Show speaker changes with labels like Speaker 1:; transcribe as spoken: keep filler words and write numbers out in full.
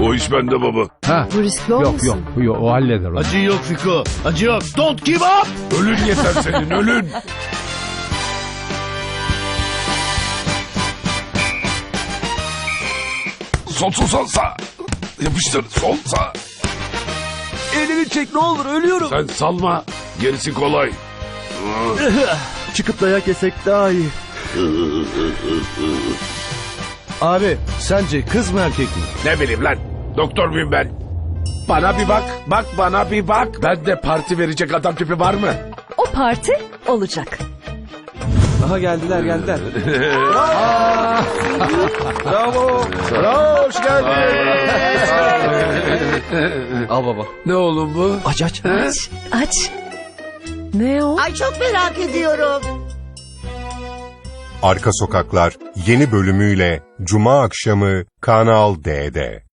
Speaker 1: O iş bende baba.
Speaker 2: Ha.
Speaker 3: Bu riskli
Speaker 2: Yok
Speaker 3: olmasın?
Speaker 2: yok yok o halleder onu.
Speaker 4: Acı yok Fiko. Acı yok. Don't give up.
Speaker 1: Ölün yeter senin ölün. Sol sol sol sağ. Yapıştır sol sağ.
Speaker 4: Elini çek ne olur ölüyorum.
Speaker 1: Sen salma. Gerisi kolay.
Speaker 4: Çıkıp dayak yesek daha iyi. Abi sence kız mı erkek mi?
Speaker 1: Ne bileyim lan. Doktor muyum ben? Bana bir bak. Bak bana bir bak. Ben de parti verecek adam tipi var mı?
Speaker 3: O parti olacak.
Speaker 4: Aha geldiler geldiler. Bravo. Bravo hoş geldin. Al baba.
Speaker 1: Ne oğlum bu?
Speaker 4: Aç aç.
Speaker 3: Aç. Aç. Ne o?
Speaker 5: Ay çok merak ediyorum.
Speaker 6: Arka Sokaklar yeni bölümüyle Cuma akşamı Kanal D'de.